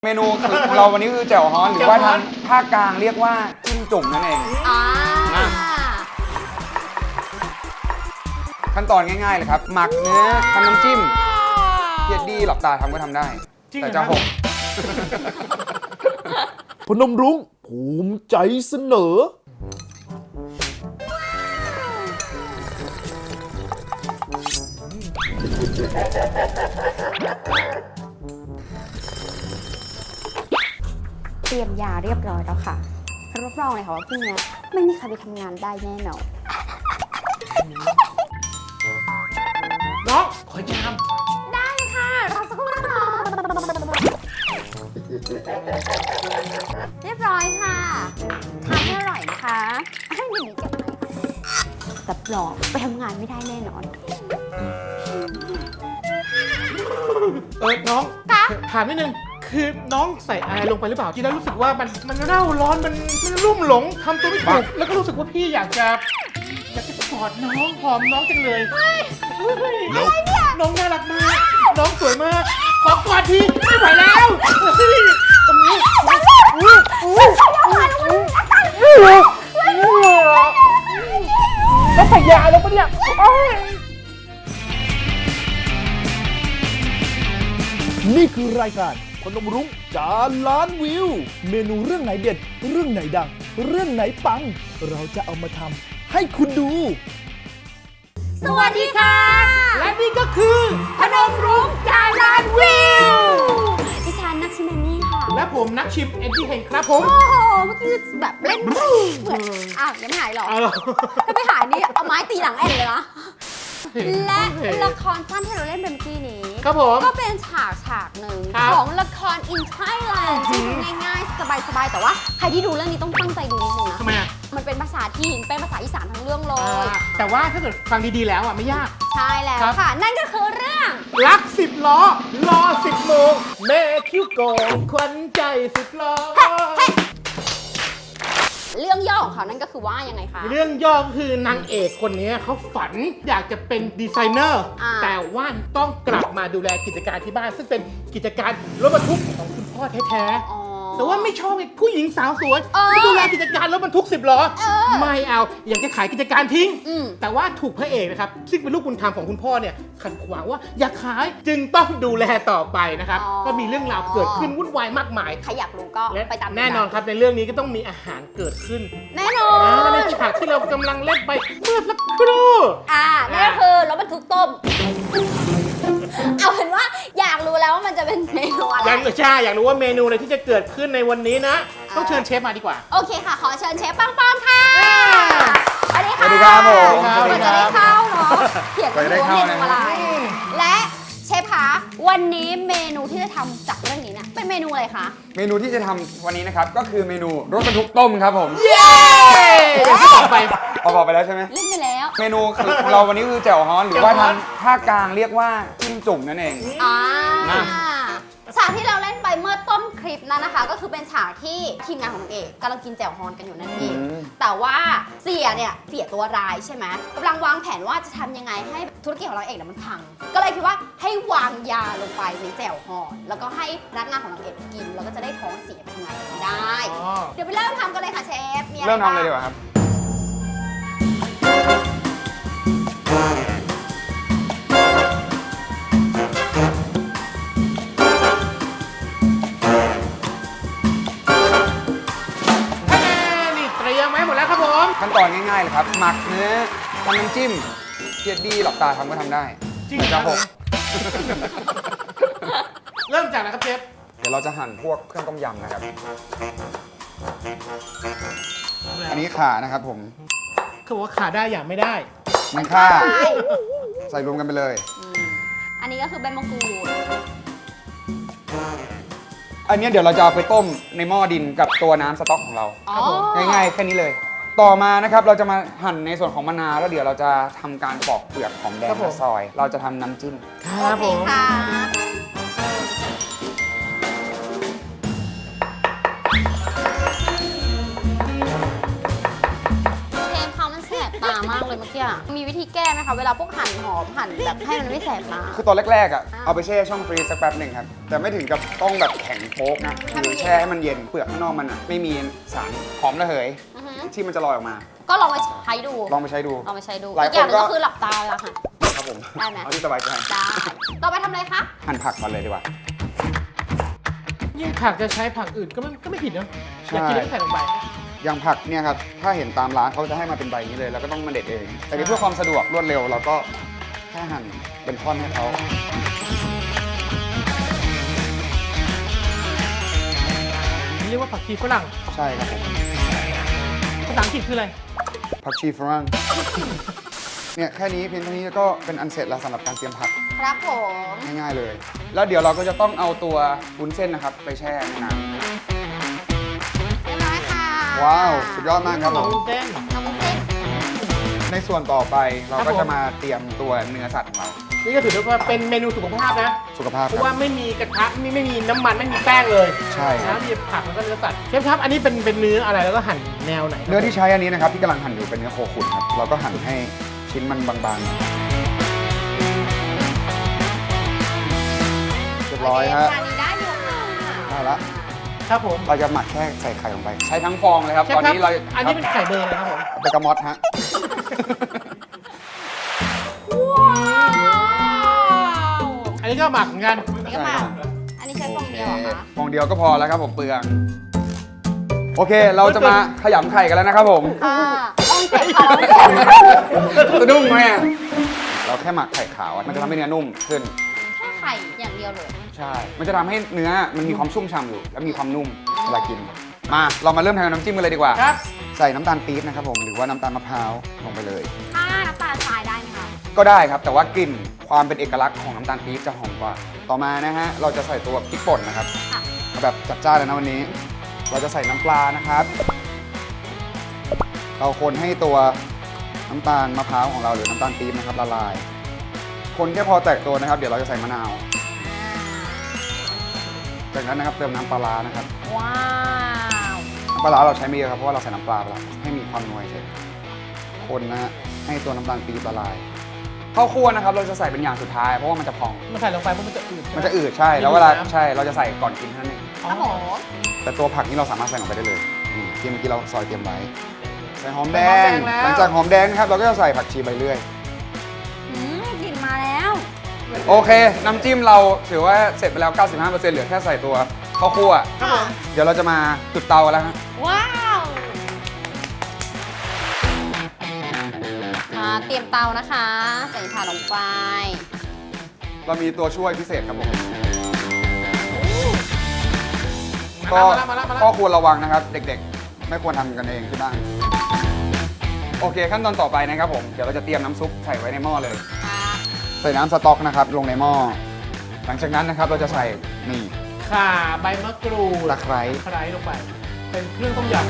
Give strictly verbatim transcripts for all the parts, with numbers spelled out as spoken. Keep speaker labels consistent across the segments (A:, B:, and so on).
A: เมนูของเราวันนี้คือแจ่วฮ้อนหรือว่าทางภาคกลางเรียกว่าจิ้มจุ่มนั่นเองนะขั้นตอนง่ายๆเลยครับหมักเนื้อทำน้ำจิ้มเพียดดีหลับตาทำก็ทำได้แต่จะหก
B: พนมรุ้งภูมิใจเสนอ
C: เตรียมยาเรียบร้อยแล้วค่ะรับรองเลยค่ะว่าพรุ่งนี้ไม่มีใครไปทำงานได้แน่นอน
D: น้องขอชาม
C: ได้ค่ะรอสักครู่นะคะเรียบร้อยค่ะทานให้อร่อยนะคะให้หนึ่งเก็บไว้รับรองไปทำงานไม่ได้แน่นอน
D: เออน้องถามนิดนึงคือน้องใส่อะไรลงไปหรือเปล่ากินแล้วรู้สึกว่ามันมันเร่าร้อนมันมันรุ่มหลงทำตัวไม่ถูกแล้วก็รู้สึกว่าพี่อยากจะอยากจะกอดน้องหอมน้องจังเลยอะไรเนี่ยน้องน่ารักมากน้องสวยมากขอกอดทีไม่ไหวแล้วตรงนี้แล้วใส่ยาลงไปเนี่ย
B: นี่คือรายการพนมรุ้งจานล้านวิว เมนูเรื่องไหนเด็ด เรื่องไหนดัง เรื่องไหนปัง เราจะเอามาทำให้คุณดู
C: สวัสดีค่ะ
D: และนี่ก็คือ
C: พนมรุ้งจานล้านวิวดิฉันนักชิมเมนี่ค่ะ
D: และผมนักชิมเอ็ดดี้เฮงครับผม
C: โอ้โหเมื่อกี้แบบเล่นเหมือนอ้าวยังไม่หายหรอ
D: เอาเหรอ
C: ถ้าไม่หายนี่เอาไม้ตีหลังแอนเลยนะและละครสั้นที่เราเล่นเป็นเมื่อกี้นี้
D: ครับผม
C: ก็เป็นฉากฉากหนึ่ง
D: ครับ
C: ของละคร In Thailand ที่ดูง่ายๆ สบายๆ แต่ว่าใครที่ดูเรื่องนี้ต้องตั้งใจดูนิดนึงนะ
D: ทำไมอ่ะ
C: มันเป็นภาษาถิ่นเป็นภาษาอีสานทั้งเรื่องเล
D: อ่าย แต่ว่าถ้าเกิดฟังดีๆแล้วอ่ะไม่ยาก
C: ใช่แล้ว
D: ครับ
C: ค่ะ นั่นก็คือเรื่อง
D: รักสิบล้อ รอสิบโมงแม่คิ้วโกงควันใจสิบล้อ
C: เรื่องย่อของเขานั่นก็คือว่ายังไงคะ
D: เรื่องย่อก็คือนางเอกคนนี้เขาฝันอยากจะเป็นดีไซเนอร์
C: อ่า
D: แต่ว่าต้องกลับมาดูแลกิจการที่บ้าน ซึ่งเป็นกิจการรถบรรทุกของคุณพ่อแท้ๆ
C: อ๋อ
D: แต่ว่าไม่ชอบไอ้ผู้หญิงสาวสวย
C: เออ
D: ที่ดูแลกิจการรถบรรทุกสิบล้อ
C: เออ
D: ไม่เอาอยากจะขายกิจการทิ้ง
C: อืม
D: แต่ว่าถูกพระเอกนะครับซึ่งเป็นลูกบุญธรรมของคุณพ่อเนี่ยขัดขวางว่าอยากขายจึงต้องดูแลต่อไปนะครับ
C: อ๋อ
D: ก็มีเรื่องราวเกิดขึ้นวุ่นวายมากมาย
C: ใครอยากรู้ก็
D: และ
C: ไปตาม
D: แน่นอนครับในเรื่องนี้ก็ต้องมีอาหารเกิดขึ้น
C: แน่นอ
D: นะและใน
C: น
D: ฉากที่เรากำลังเล่นไปเมื่อสักครู่
C: อ่านั่นก็คือรถบรรทุกต้ม เอาเป็นว่าอยากรู้แล้วว่ามันจะเป็นเมนูอะไร
D: ยังใช่อยากรู้ว่าเมนูอะไรที่จะเกิดขึ้นในวันนี้นะ
C: อ่า
D: ต้องเชิญเชฟมาดีกว่า
C: โอเคค่ะ ขอเชิญเชฟปังปอนค่ะสวัสดีค่ะ
A: สวัสดีครับผม
D: สวัสดี
C: ก่อนจะได้เข้าเนาะเขียน
A: ก่อนจะได้
C: ว่า
A: เข้า
C: เมนู
A: นะ
C: อะไร และเชฟคะวันนี้เมนูที่จะทำจากเรื่องนี้เนี่ยเป็นเมนูอะไรคะ
A: เมนูที่จะทำวันนี้นะครับก็คือเมนูรสบรรทุกต้มครับผม
D: เย้อย่างที่บอกไป
A: พอบอกไปแล้วใช่ไหม
C: เล่นไปแล้ว
A: เมนูของเราวันนี้คือแจ่วฮ้อนหรือว่าทางภาคกลางเรียกว่าจิ้มจุ่มนั่นเอง
C: อ่า
A: นะ
C: ฉากที่เราเล่นไปเมื่อต้นคลิปนั้นนะคะ ก็คือเป็นฉากที่ทีมงานของนางเอกกำลังกินแจ่วฮอนกันอยู่นั่นเอง
A: อืม
C: แต่ว่าเสียเนี่ยเสียตัวร้ายใช่ไหมกำลังวางแผนว่าจะทำยังไงให้ธุรกิจของนางเอกเนี่ยมันพัง ก็เลยคิดว่าให้วางยาลงไปในแจ่วฮอนแล้วก็ให้พนักงานของนางเอกกิน แล้วก็จะได้ท้องเสียไปทำงานไม่ได้
D: อ๋อ
C: เดี๋ยวไปเริ่มทำกันเลยค่ะเชฟมีอะไร
A: เริ่มทำเลย
C: บ้าง
A: ดีกว่าครับ
D: นี่เตรียมไว้หมดแล้วครับผม
A: ขั้นตอนง่ายๆเลยครับหมักเนื้อทำน้ำจิ้มเพียดดีหลับตาทำก็ทำได้
D: จริง
A: แต่
D: ค
A: จะ
D: รับ
A: ห
D: ผ
A: ก
D: มเริ่มจากอะไรครับเชฟ
A: เดี๋ยวเราจะหั่นพวกเครื่องต้มยำนะครับ อันนี้ข่านะครับผม
D: เขาบอกว่าขาได้อย่างไม่ได้
A: มันข่าใส่รวมกันไปเลย
C: อืมอันนี้ก็คือใบมะกรูด
A: อันนี้เดี๋ยวเราจะเอาไปต้มในหม้อดินกับตัวน้ำสต๊อกของเรา
C: อ๋อ
A: ง่ายๆแค่นี้เลย ต่อมานะครับเราจะมาหั่นในส่วนของมะนาวแล้วเดี๋ยวเราจะทำการปอกเปลือกของแดง
D: ครับผม
A: และซอย เราจะทำน้ำจิ้ม
D: ครับ
C: โอ
D: ผ
C: เค
D: ม
C: ค่ะเชฟเขามันแสบตามากเลยเมื่อกี้อ่ะ มีวิธีแก้ไหมคะเวลาพวกหั่นหอมหั่นแบบให้มันไม่แสบมา
A: คือตอนแรกๆอ่ะเอาไปแช่ช่องฟรีซสักแป๊บหนึ่งครับแต่ไม่ถึงกับต้องแบบแข็งโป๊กนะคือแช่ให้มันเย็นเปลือกข้างนอกมันอ่ะไม่มีสารหอมระเหย
C: อือฮึ
A: ที่มันจะลอยออกมา
C: ก็ลองไปใช้ดู
A: ลองไปใช้ดู
C: ลองไปใช้ดู
A: หลาย
C: อีกอย่างหนึง
A: คนก็
C: ก็คือหลับตาเวลาหั่น
A: ครับผม
C: ได้ไหม
A: เอาที่สบายใจ
C: ได้ต่อไปทำอะไรคะ
A: หั่นผักก่อนเลยดีกว่า
D: ยิ่งผักจะใช้ผักอื่นก็ไม่ก็ไม่ผิดนะอยากกินแล้วก็ใส่ลงไป
A: อย่างผักเนี่ยครับถ้าเห็นตามร้านเขาจะให้มาเป็นใบนี้เลยแล้วก็ต้องมาเด็ดเอง แต่นี่เพื่อความสะดวกรวดเร็วเราก็แค่หั่นเป็นท่อนให้เขา
D: เรียกว่าผักชีฝรั่ง
A: ใช่ครับผม
D: ภาษาอังกฤษคืออะไร
A: ผักชีฝรั่งเนี่ยแค่นี้เพียงเท่านี้ก็เป็นอันเสร็จแล้วสำหรับการเตรียมผัก
C: ครับผม
A: ง่ายๆเลย แล้วเดี๋ยวเราก็จะต้องเอาตัววุ้นเส้นนะครับไปแช่ในน้
C: เรียบร้อยค่ะ
A: ำว้าวสุดยอดมากครับผม
D: วุ้นเส้น
C: ทำวุ้นเส้น
A: ในส่วนต่อไปเรา
D: ครับ
A: ก็
D: ผม
A: จะมาเตรียมตัวเนื้อสัตว์ของเรา
D: นี่ก็ถือได้ว่าเป็นเมนูสุขภาพนะ
A: สุขภาพ
D: เพ
A: ครั
D: ราะว่า
A: บ
D: ไม่มีกระทะไม่ไม่มีน้ำมันไม่มีแป้งเลย
A: ใช่ครั
D: นะ
A: บ
D: มีผักแล้วก็เนื้อสัตว์เชฟครับ อันนี้เป็นเป็นเนื้ออะไรแล้วก็หั่นแนวไหนครับ
A: เนื้อที่ใช้อันนี้นะครับที่กำลังหั่นอยู่เป็นเนื้อโคขุนครับเราก็หั่นให้ชิ้นมันบางๆเรียบร้อยฮะ
C: จานนี้ได้อยู่ค่ะ
A: ได้ละ
D: ครับผม
A: เราจะหมักแค่ใส่ไข่ลงไป ใช้ทั้งฟองเลยครับ
D: เชฟ
A: ตอน
D: ครับ
A: นี้เรา
D: อันนี้เป็นไข่เบอร์เลยครับผม
A: เบกามอตฮะ
C: ว้าว
D: อันนี้ก็หมักเหมือนกัน
C: นี่ก็มาอันนี้ใช้ฟองเดียวเหรอคะ
A: ฟองเดียวก็พอแล้วครับผมเปลือง โอเค เราจะมาขยำไข่กันแล้วนะครับผม
C: อ่าต้องเจ็บค่ะต้องเจ็บ
A: สะดุ้งไหมอะเราแค่หมักไข่ขาวอะมันจะทำให้เนื้อนุ่มขึ้น
C: แค่ไข่อย่างเดียวเลย
A: ใช่ มันจะทำให้เนื้อมันมีความชุ่มฉ่ำอยู่ และมีความนุ่มเวลากิน มาเรามาเริ่มทำน้ำจิ้มกันเลยดีกว่า
D: ครับ
A: ใส่น้ำตาลปี๊บนะครับผมหรือว่าน้ำตาลมะพร้าวลงไปเลย
C: ถ้าน้ำตาลทรายได้ไหมคะ
A: ก็ได้ครับแต่ว่ากลิ่นความเป็นเอกลักษณ์ของน้ำตาลปี๊บจะหอมกว่า ต่อมานะฮะเราจะใส่ตัวพริกป่นนะครับ
C: ค่ะ
A: เอาแบบจัดจ้านเลยนะวันนี้ เราจะใส่น้ำปลานะครับ เราคนให้ตัวน้ำตาลมะพร้าวของเราหรือน้ำตาลปี๊บนะครับละลาย คนแค่พอแตกตัวนะครับ เดี๋ยวเราจะใส่มะนาว จากนั้นนะครับเติมน้ำปลาร้านะครับ
C: ว้าว
A: น้ำปลาร้าเราใช้ไม่เยอะครับเพราะว่าเราใส่น้ำปลาไปแล้วให้มีความนัวเฉยคนนะฮะให้ตัวน้ำตาลปี๊บละลายข้าวคั่วนะครับเราจะใส่เป็นอย่างสุดท้ายเพราะว่ามันจะพอง
D: มันใส่ลงไปเพราะมันจะอืดใช่ไห
A: มันจะอืดใช่แล้วเวลาใช่เราจะใส่ก่อนกินเท่านั้นเอง
C: ครับผม
A: แต่ตัวผักนี่เราสามารถใส่ลงไปได้เลยนี่ที่เมื่อกี้เราซอยเตรียมไว้ใส่หอมแด
D: ใส่
A: ง
D: หอมแดงแล้ว
A: หลังจากหอมแดงนะครับเราก็จะใส่ผักชีใบเลื่อย
C: อืมกลิ่นมาแล้ว
A: โอเค น้ำจิ้มเราถือว่าเสร็จไปแล้ว เก้าสิบห้าเปอร์เซ็นต์ เหลือแค่ใส่ตัวข้าวคั่ว
D: ครับผม
A: เดี๋ยวเราจะมาจุดเตากันแล้วฮะ
C: ว้าวมาเตรียมเตานะคะ ใส่ถ่านลงไป
A: เรามีตัวช่วยพิเศษครับผม
D: มา
A: ก็
D: แล้วมาแล้วมาแล้ว
A: ก็ควรระวังนะครับ เด็กๆ ไม่ควรทำกันเองที่บ้านโอเคขั้นตอนต่อไปนะครับผมเดี๋ยวเราจะเตรียมน้ำซุปใส่ไว้ในหม้อเลย
C: ค่ะ
A: ใส่น้ำสต๊อกนะครับลงในหม้อหลังจากนั้นนะครับเราจะใส่นี่
D: ข่าใบมะกรูด
A: ตะไคร้
D: ตะไคร้ลงไป เป็นเครื่องต้มยำ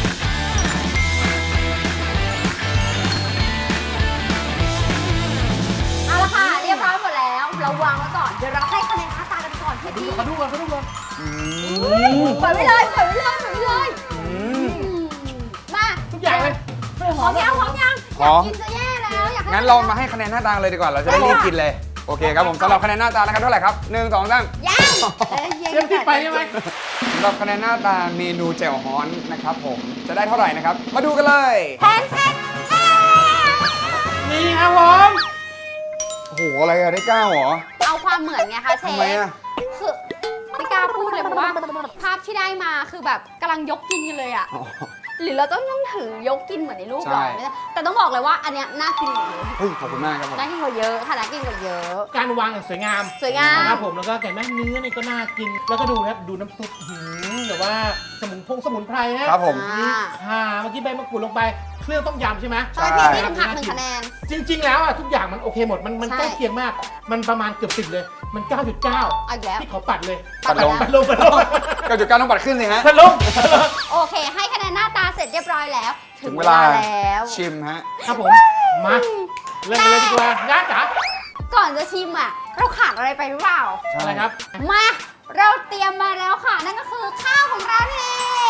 C: เอาละค่ะ เรียบร้อยหมดแล้ว เราวางไว้ก่อน เดี๋ยวเราให้คะแนนหน้าตากันก่อนพี่
D: ดู
C: พี่
D: ก่อนเขาดูก่อนเขาดูก่อน
A: อืม
C: ปล่อยไว้เลยปล่อยไว้เลยปล่อยไว้เลย
A: อืม
C: อืมมา
D: ทุกอย่างเลย
C: หอมยังหอมยัง
A: หอม
C: ยากกินจะแย่แล้วอยากให้
A: งั้นเรามาให้คะแนนหน้าตาเลยดีกว่า เราจะได้รีบกินเลย โอเคครับผมสำหรับคะแนนหน้าตานะครับเท่าไหร่ครับหนึ่งสองสาม
C: ยังเอ้ยย็น
D: เชฟที่ไปใช่ไหม
A: สำหรับคะแนนหน้าตาเมนูแจ่วฮ้อนนะครับผมจะได้เท่าไหร่นะครับ มาดูกันเลย
C: แพนแพนแพน
D: นี่ครับผม
A: โอ้โหอะไรอะได้เก้าเหรอ
C: เอาความเหมือนไงคะเชฟ
A: ทำไมอะ
C: คือไม่กล้าพูดเลยเพราะว่าภาพที่ได้มาคือแบบกำลังยกกินกันเลยอะ
A: อ๋อ
C: หรือเราต้องต้องถือยกกินเหมือนในรูปหรอ
A: ใช่
C: ไม่ใช่แต่ต้องบอกเลยว่าอันเนี้ยน่ากินกว่าเยอะ
A: เฮ้ยขอบคุณมากครับผม
C: น่ากินกว่าเยอะค่ะน่ากินกว่าเยอะ
D: การวางอย่างสวยงาม
C: สวยงาม
D: นะครับผมแล้วก็แกะแม่เนื้อนี่ก็น่ากิน แล้วก็ดูนะครับดูน้ำซุปหืมแต่ว่าสมุนพงสมุนไพรนะครับ
A: ผม
C: อ่า
D: ข่าเมื่อกี้ใบมะกรูดลงไป เครื่องต้มยำใช่ไหม
C: ใช่พี่นี่ทำหักหนึ่งคะแนน
D: จริง ๆ แล้วอ่ะทุกอย่างมันโอเคหมด มันมัน
C: ใช่
D: ใกล้เคียงมาก มันประมาณเกือบสิบเลย มัน เก้าจุดเก้า
C: เอาอีกแล้ว
D: ที่ขอปัดเลย
A: ปัดลง
D: ปัดลงปัดลง
A: เก้าจุดเก้าต้องปัดขึ้นสิฮะ
D: ปัดลง
C: โอเค ให้คะแนนหน้าตาเสร็จเรียบร้อยแล้ว ถึ
A: ถึ
C: ง
A: ง
C: เว
A: เว
C: ลา
A: ลา
C: แล้ว
A: ชิมฮะ
D: ครับผม มาเริ่มกันเลยดีกว่าย่าจ๋า
C: ก่อนจะชิมอ่ะ เราขาดอะไรไปหรือเปล่า
A: ใช่
D: อะไรครับ
C: มา เราเตรียมมาแล้วค่ะ นั่นก็คือข้าวของเรา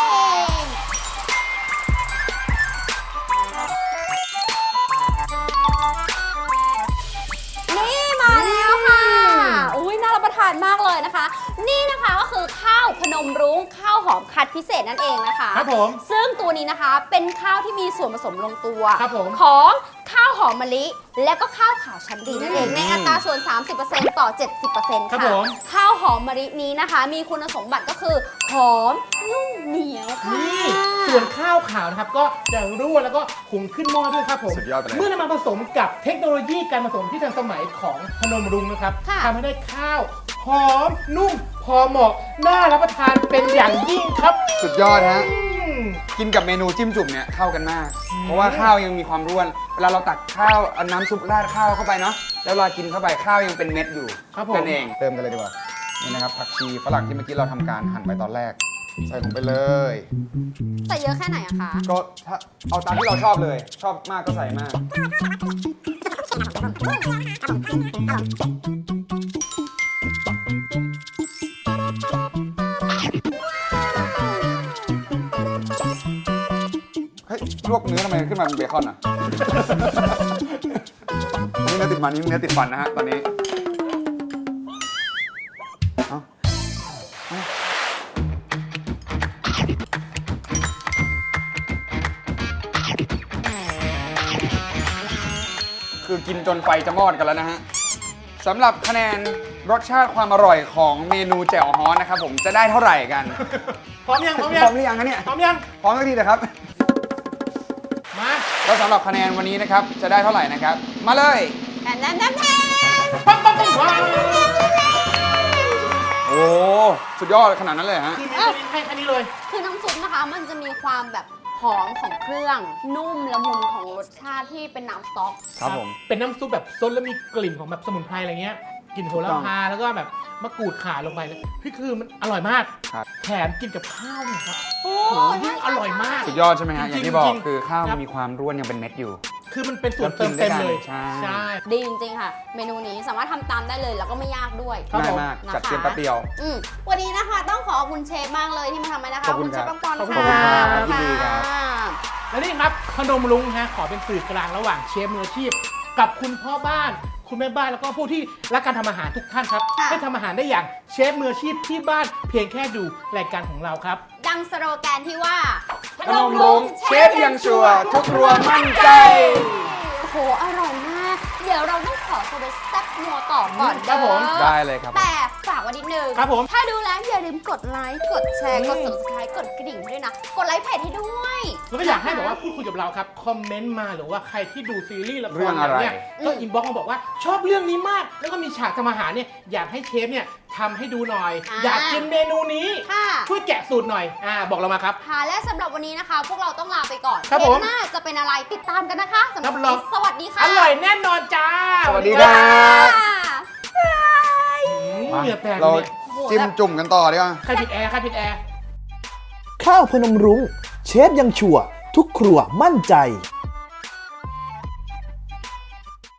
C: เองานมากเลยนะคะ นี่นะคะก็คือข้าวพนมรุ้งข้าวหอมคัดพิเศษนั่นเองนะคะ
D: ครับผม
C: ซึ่งตัวนี้นะคะเป็นข้าวที่มีส่วนผสมลงตัว
D: ครับผม
C: ของข้าวหอมมะลิ และก็ข้าวขาวชั้นดีนั่นเองในอัตราส่วน สามสิบเปอร์เซ็นต์ ต่อ เจ็ดสิบเปอร์เซ็นต์
D: ครับ
C: ค่ะ
D: ผม
C: ข้าวหอมมะลินี้นะคะ มีคุณสมบัติก็คือหอมนุ่มเหนียวค่ะ
D: นี่ส่วนข้าวขาวนะครับก็จะร่วนแล้วก็หุงขึ้นหม้อด้วยครับผม
A: สุดยอดไปเลย
D: เมื่อนำมาผสมกับเทคโนโลยีการผสมที่ทันสมัยของพนมรุ้งนะครับ
C: ค่ะ
D: ทำให้ได้ข้าวหอมนุ่มพอเหมาะน่ารับประทานเป็นอย่างยิ่งครับ
A: สุดยอดฮะ
D: อืม
A: กินกับเมนูจิ้มจุ่มเนี่ยเข้ากันมาก เพราะว่าข้าวยังมีความร่วน เวลาเราตักข้าวเอาน้ำซุปราดข้าวเข้าไปเนาะ แล้วเวลากินเข้าไปข้าวยังเป็นเม็ดอยู่
D: ครับผม
A: นั่นเอง เติมกันเลยดีกว่า นี่นะครับผักชีฝรั่งที่เมื่อกี้เราทำการหั่นไปตอนแรก ใส่ลงไปเลย
C: ใส่เยอะแค่ไหนอะคะ
A: ก็ถ้าเอาตามที่เราชอบเลย ชอบมากก็ใส่มาก เฮ้ยลวกเนื้อทำไมขึ้นมาเป็นเบคอนอ่ะ นี่เนื้อติดมันนี่เนื้อติดฟันนะฮะตอนนี้เอ้าเอ้าคือกินจนไฟจะมอดกันแล้วนะฮะสำหรับคะแนนรสชาติความอร่อยของเมนูแจ่วฮ้อนนะครับผมจะได้เท่าไหร่กัน
D: พร้อมยังพร้อม
A: พ
D: ยั
A: ร้อง มหรือยังคะเนี่ย
D: พร้อมยัง
A: พร้อมสักทีเถอะครับ
D: มา
A: แล้วสำหรับคะแนนวันนี้นะครับจะได้เท่าไหร่นะครับ มาเลย
C: แอนแอนแอนแอน
D: ปั๊บปั๊บปั๊บปั๊บ
A: โอ้สุดยอดขนาดนั้นเลยฮะ
D: คือมีตัวนี้ให้แค่นี้เลย
C: คือน้ำซุปนะคะ มันจะมีความแบบหอมของเครื่อง นุ่มละมุนของรสชาติที่เป็นน้ำสต๊อก
A: ครับผม
D: เป็นน้ำซุปแบบซดแล้วมีกลิ่นของแบบสมุนไพรอะไรเงี้ยกลิ่นโหระพาแล้วก็แบบมะกรูดข่าลงไปเลยพี่คือมันอร่อยมาก
A: ครับ
D: แถมกินกับข้าวเนี่ยครับ
C: โอ้
D: โหยิ่งอร่อยมาก
A: สุดยอดใช่ไหมฮะ
D: จ
A: อ
D: ริงๆ
A: ย่างที่บอก
D: จริงๆ
A: คือข้าว
D: ครั
A: มัน
D: บ
A: มีความร่วนยังเป็นเม็ดอยู่
D: คือมันเป็นส่วน
A: แล้วกิ
D: เติ
A: น
D: ม
A: ได้
D: เต็มเลย
A: ใช่
D: ใช่
C: ดีจริงๆค่ะ เมนูนี้สามารถทำตามได้เลยแล้วก็ไม่ยากด้วย
D: ครับ
A: ง่าย
D: ผม
A: มาก
C: นะคะ
A: จัดเตรียมแป๊บเดียว
C: อืมวันนี้นะคะต้องขอขอบคุณเชฟมากเลยที่มาทำให้นะคะ
A: ขอบคุณ
C: เชฟ
A: ครับ
C: ปังปอน
D: ขอบคุณ
C: ค่ะ
A: ครับยินดีครับ
C: ค่ะ
D: และนี่ครับพนมรุ้งฮะขอเป็นสื่อกลางระหว่างเชฟมืออาชีพ กับคุณพ่อบ้าน คุณแม่บ้านแล้วก็ผู้ที่รักการทำอาหารทุกท่านครับ
C: ค่ะ
D: ให้ทำอาหารได้อย่างเชฟมืออาชีพที่บ้านเพียงแค่ดูรายการของเราครับ
C: ดังสโลแกนที่ว่า
A: พนมรุ้งเชฟยังชัวร์ทุกครัวมั่นใจ
C: โอ้โห อร่อยมาก เดี๋ยวเราต้องขอตัวไปแซ่บนัวต่อก่อน
D: ครับผม
C: เด้อ
A: ได้เลยครับ
C: แต่ฝากไว้นิดนึง
D: ครับผม
C: ถ้าดูแล้วอย่าลืมกดไลค์ กดแชร์
D: อืม
C: กด subscribe กดกระดิ่งให้ด้วยนะ กดไลค์เพจให้ด้วย
D: แล้วก็อยากให้แบบว่าพูดคุยกับเราครับ คอมเมนต์มาหรือว่าใครที่ดูซีรีส์ละค
A: เรื่
D: ร
A: องอะไร
D: เนี่ยก็อินบ็อกซ์มาบอกว่าชอบเรื่องนี้มาก แล้วก็มีฉากทำอาหารเนี่ยอยากให้เชฟเนี่ยทำให้ดูหน่อย
C: อ่า
D: อยากกินเมนูนี้
C: ค่ะ
D: ช่วยแกะสูตรหน่อยอ่าบอกเรามาครับ
C: ค่ะ และสำหรับวันนี้นะคะ พวกเราต้องลาไปก่อน
D: ครับ
C: เท
D: ผม
C: ปหน้าจะเป็นอะไรติดตามกันนะคะสำหรับ
D: รับ
C: วัน
D: รอง
C: นี้สวัสดีค่ะ
D: อร่อยแน่นอนจ้า
A: สวัสดีครับ
D: อืม
A: มา
D: เหงื่อแตก
A: เรา
D: เลย
A: จิ้มจุ่มกันต่อดีกว่า
D: ใครปิดแอร์ใครปิดแอร์
B: ข้าวพนมรุ้งเชฟยังชัวร์ทุกครัวมั่นใจ